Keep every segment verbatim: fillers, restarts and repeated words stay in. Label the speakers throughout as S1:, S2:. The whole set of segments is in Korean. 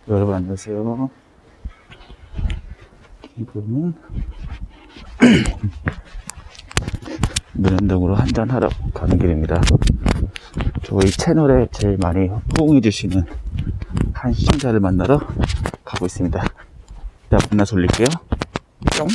S1: 여러분 안녕하세요. 지금은 문현동으로 한잔하러 가는 길입니다. 저희 채널에 제일 많이 호응해주시는 한 시청자를 만나러 가고 있습니다. 이따 만나 돌릴게요. 뿅.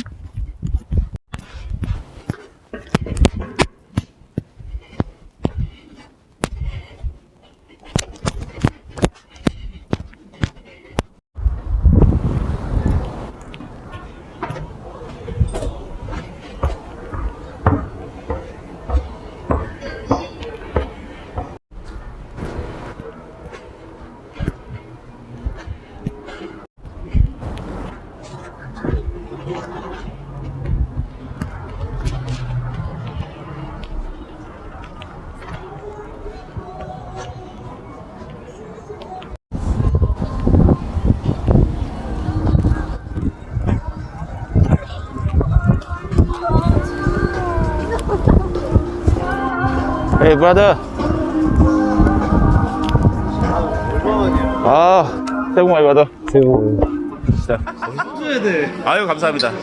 S1: Hey brother. 아, 새해 복 많이 받아.
S2: 새해 복.
S1: 진짜.
S2: 써줘야 돼.
S1: 아유 감사합니다.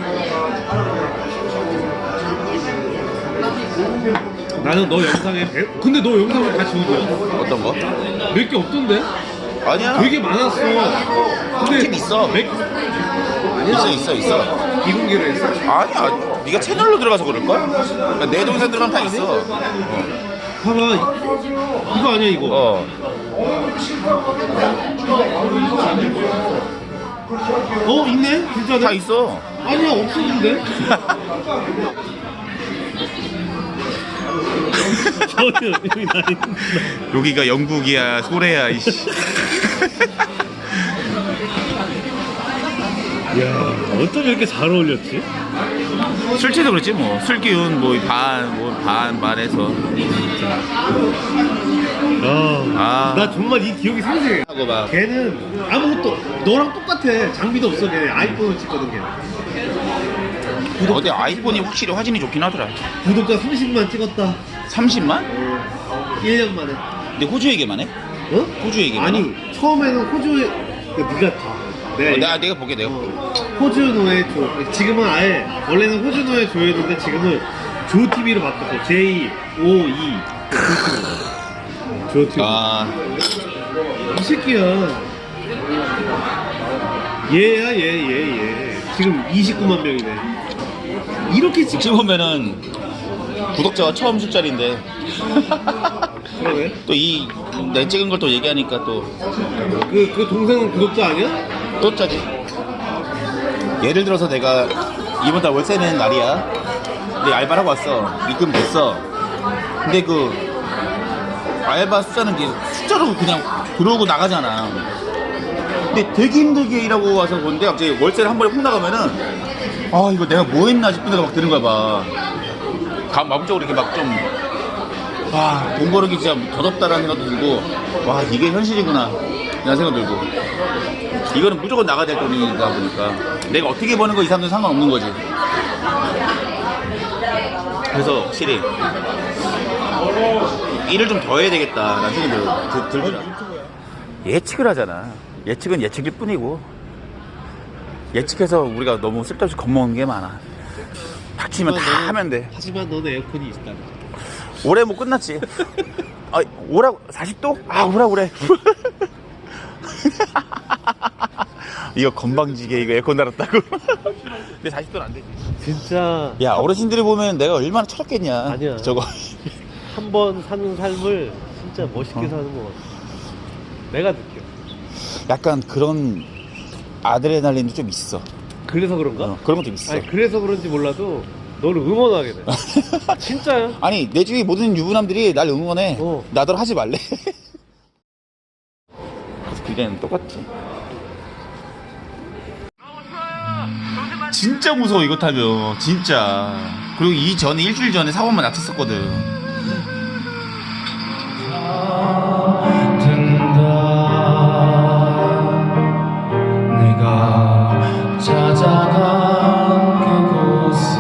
S2: 나는 너 영상에 배... 근데 너 영상을 다 지워줘.
S1: 어떤 거?
S2: 몇 개 없던데?
S1: 아니야.
S2: 되게 많았어. 근데
S1: 팀 있어.
S2: 몇...
S1: 있어 있어 있어.
S2: 비공개로 했어.
S1: 아니야. 네가 채널로 들어가서 그럴걸? 그러니까 내 동생 들어가면 다 있어.
S2: 봐봐. 이거 아니야 이거.
S1: 어.
S2: 어 있네? 진짜
S1: 다 있어.
S2: 아니야 없었는데? 전혀 여기 나 있는
S1: 여기가 영국이야 소래야 이씨.
S2: 야 어쩜 이렇게 잘 어울렸지?
S1: 술취도 그렇지 뭐. 술 기운 뭐 반 뭐 반 반해서.
S2: 아,
S1: 아.
S2: 나 정말 이 기억이 생생해.
S1: 하고 막.
S2: 걔는 아무것도 너랑 똑같아. 장비도 없어. 걔 아이폰을 찍거든 걔.
S1: 어디 아이폰이 확실히 화질이 좋긴 하더라.
S2: 구독자 삼십만 찍었다.
S1: 삼십만?
S2: 일 년 만에.
S1: 근데 호주 얘기만 해?
S2: 어?
S1: 호주 얘기만
S2: 아니
S1: 해?
S2: 처음에는 호주에 네가 봐. 내가,
S1: 어,
S2: 얘기-
S1: 내가 내가 보게 내가
S2: 어,
S1: 보게.
S2: 호주노의 조. 지금은 아예 원래는 호주노의 조였는데 지금은 조티비로 바뀌었어. 제이 오 이 조티비.
S1: 아
S2: 이 새끼야. 얘야 얘 얘 얘. 지금 이십구만 명이네. 이렇게 찍.
S1: 어찌 보면은 구독자가 처음 숫자리인데
S2: 그러네.
S1: 또 이 내 찍은 걸 또 얘기하니까 또
S2: 그, 그 동생은 구독자 아니야?
S1: 또 짜지. 예를 들어서 내가 이번 달 월세 내는 날이야. 근데 알바를 하고 왔어. 입금 됐어. 근데 그 알바 숫자는 이제 숫자로 그냥 들어오고 나가잖아. 근데 되게 힘들게 일하고 와서 보는데 갑자기 월세를 한 번에 훅 나가면은 아 이거 내가 뭐 했나 싶은 데가 막 드는 거야 막. 가, 마음적으로 이렇게 막 좀 와, 돈 벌기 진짜 더럽다라는 생각도 들고 와 이게 현실이구나 이런 생각 들고 이거는 무조건 나가야 될 돈이다 보니까 내가 어떻게 버는 거 이 사람들은 상관없는 거지. 그래서 확실히 일을 좀 더 해야 되겠다라는 생각이 들, 들더라. 예측을 하잖아. 예측은 예측일 뿐이고 예측해서 우리가 너무 쓸데없이 겁먹는 게 많아. 닥치면 다
S2: 너는-
S1: 하면 돼.
S2: 하지만 너는 에어컨이 있다.
S1: 올해 뭐 끝났지. 아, 오라고 사십 도? 아, 오라 그래. 이거 건방지게 이거 에어컨 달았다고. 근데 사십 도는 안 되지.
S2: 진짜
S1: 야, 어르신들이 보면 내가 얼마나 철없겠냐.
S2: 아니야.
S1: 저거.
S2: 한 번 사는 삶을 진짜 멋있게
S1: 어?
S2: 사는 것 같아. 내가 느껴.
S1: 약간 그런 아드레날린도 좀 있어.
S2: 그래서 그런가?
S1: 어, 그런 것도 있어.
S2: 아니 그래서 그런지 몰라도 너를 응원하게 돼. 진짜야.
S1: 아니, 내 주위 모든 유부남들이 날 응원해.
S2: 어.
S1: 나더러 하지 말래. 그게는 똑같지. 진짜 무서워 이거 타면 진짜. 그리고 이 전에 일주일 전에 사고만 났었거든.
S3: 내가 찾아간 그곳은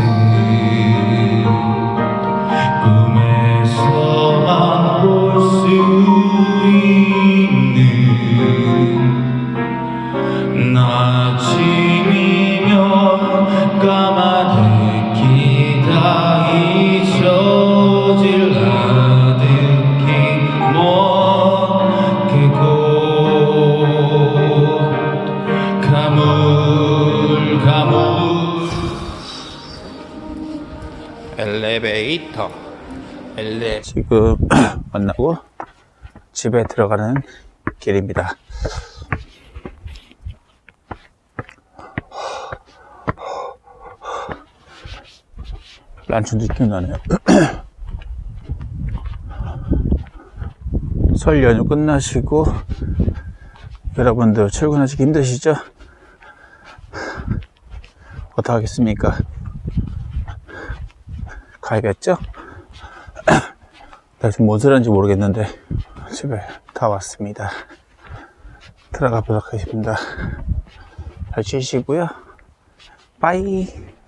S3: 꿈에서만 볼 수 있는 아침이면 까마득히 다 잊혀질 아득히 먼 그곳 가물 가물
S1: 엘리베이터 엘레 지금 만나고 집에 들어가는 길입니다. 란춘 느낌 나네요. 설 연휴 끝나시고 여러분들 출근하시기 힘드시죠? 어떡하겠습니까? 가야겠죠? 나 지금 뭔 소리 하는지 모르겠는데 집에 다 왔습니다. 들어가 보도록 하겠습니다. 잘 쉬시고요. 빠이.